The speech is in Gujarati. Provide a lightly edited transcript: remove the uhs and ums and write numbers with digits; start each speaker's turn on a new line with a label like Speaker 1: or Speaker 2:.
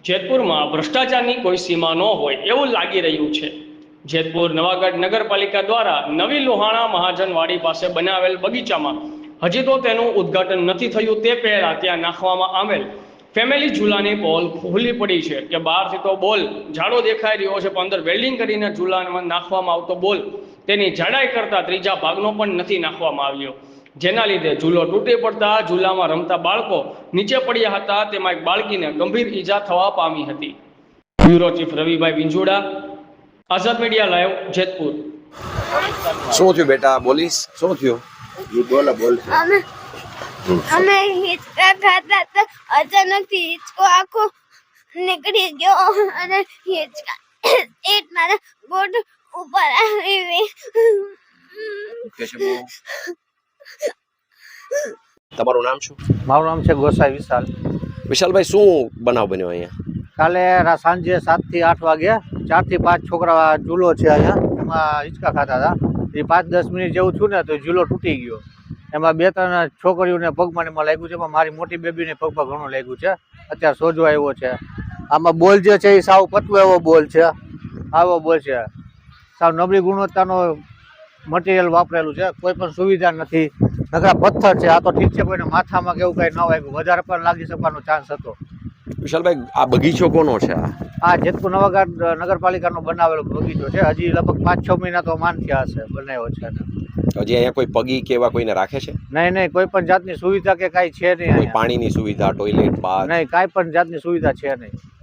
Speaker 1: જેતપુરમાં ભ્રષ્ટાચારની કોઈ સીમા ન હોય એવું લાગી રહ્યું છે। જેતપુર નવાગઢ નગરપાલિકા દ્વારા નવી લોહાણા મહાજનવાડી પાસે બનાવેલ બગીચામાં હજી તો તેનું ઉદ્ઘાટન નથી થયું તે પહેલા ત્યાં નાખવામાં આવેલ ફેમિલી ઝૂલાની પોલ ખુલ્લી પડી છે કે બહારથી તો બોલ જાડો દેખાઈ રહ્યો છે, પણ અંદર વેલ્ડિંગ કરીને ઝૂલામાં નાખવામાં આવતો બોલ તેની જાડાઈ કરતાં ત્રીજા ભાગનો પણ નથી નાખવામાં આવ્યો, જેના લીધે ઝૂલો તૂટી પડતા ઝૂલામાં રમતા બાળકો નીચે પડ્યા હતા। તેમાં એક બાળકીને ગંભીર ઈજા થવા પામી હતી। Bureau chief Ravibhai Vinjoda, Azad media live, Jetpur.
Speaker 2: શું થયું બેટા? બોલીશ શું થયું? બોલ
Speaker 3: અમે હિંચકા ખાતા હતા, અચાનક હિંચકો આખો નીકળી ગયો અને હિંચકા એક મારા ગોટ ઉપર આવી।
Speaker 2: તમારું નામ શું?
Speaker 4: મારું નામ છે ગોસાઈ વિશાલ।
Speaker 2: વિશાલભાઈ, શું બનાવ બન્યો અહીંયા?
Speaker 4: કાલે સાંજે 7 થી 8 વાગે 4 થી 5 છોકરા ઝૂલો છે અહીંયા, એમાં હિંચકા ખાતા હતા। એ 5-10 મિનિટ જેવું થયું ને તો ઝૂલો તૂટી ગયો। એમાં 2-3 છોકરીઓને પગમાં એમાં લાગ્યું છે, પણ મારી મોટી બેબીને પગમાં ઘણું લાગ્યું છે, અત્યારે સોજો આવ્યો છે। આમાં બોલ જે છે એ સાવ પતલો એવો બોલ છે, આવો બોલ છે, સાવ નબળી ગુણવત્તાનો મટીરિયલ વાપરેલું છે, કોઈ પણ સુવિધા નથી, નકરા પથ્થર છે। આ તો ઠીક છે, કોઈને માથામાં કેવું કાંઈ ન વાગ્યું, વધારે પણ લાગી શકવાનો ચાન્સ હતો।
Speaker 2: વિશાલભાઈ, આ બગીચો કોનો છે?
Speaker 4: આ જેતપુર નવાગઢ નગરપાલિકાનો બનાવેલો બગીચો છે, હજી લગભગ 5-6 મહિના તો માન થયા હશે બનાવ્યો છે।
Speaker 2: હજી અહીંયા કોઈ પગી કે એવા કોઈને રાખે છે?
Speaker 4: નહીં, કોઈ પણ જાતની સુવિધા કે કાંઈ છે નહીં।
Speaker 2: કોઈ પાણીની સુવિધા, ટોયલેટ, બાથ?
Speaker 4: નહીં, કાંઈ પણ જાતની સુવિધા છે નહીં।